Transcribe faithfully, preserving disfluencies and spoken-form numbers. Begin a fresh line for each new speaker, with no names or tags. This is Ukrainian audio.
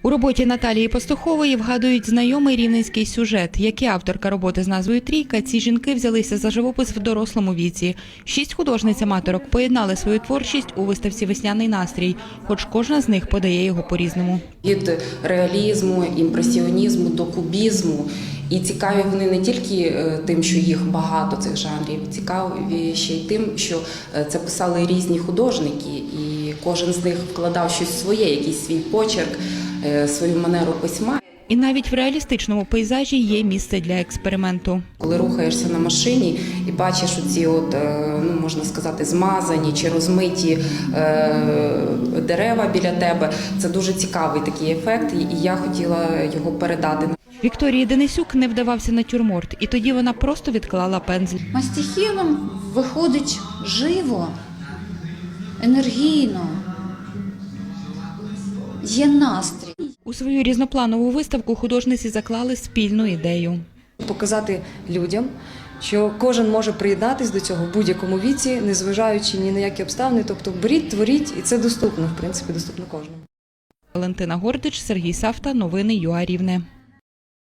У роботі Наталії Пастухової вгадують знайомий рівненський сюжет. Як і авторка роботи з назвою «Трійка», ці жінки взялися за живопис в дорослому віці. Шість художниць-аматорок поєднали свою творчість у виставці «Весняний настрій», хоч кожна з них подає його по-різному.
Від реалізму, імпресіонізму до кубізму. І цікаві вони не тільки тим, що їх багато цих жанрів, цікаві ще й тим, що це писали різні художники, і кожен з них вкладав щось своє, якийсь свій почерк, свою манеру письма.
І навіть в реалістичному пейзажі є місце для експерименту.
Коли рухаєшся на машині і бачиш оці, от, ну, можна сказати, змазані чи розмиті е, дерева біля тебе, це дуже цікавий такий ефект, і я хотіла його передати.
Вікторії Денисюк не вдавався натюрморт, і тоді вона просто відклала пензль.
Мастихіном виходить живо, енергійно, є настрій.
У свою різнопланову виставку художниці заклали спільну ідею.
Показати людям, що кожен може приєднатися до цього в будь-якому віці, незважаючи ні на які обставини. Тобто беріть, творіть, і це доступно, в принципі, доступно кожному.
Валентина Гордич, Сергій Савта, новини ЮА Рівне.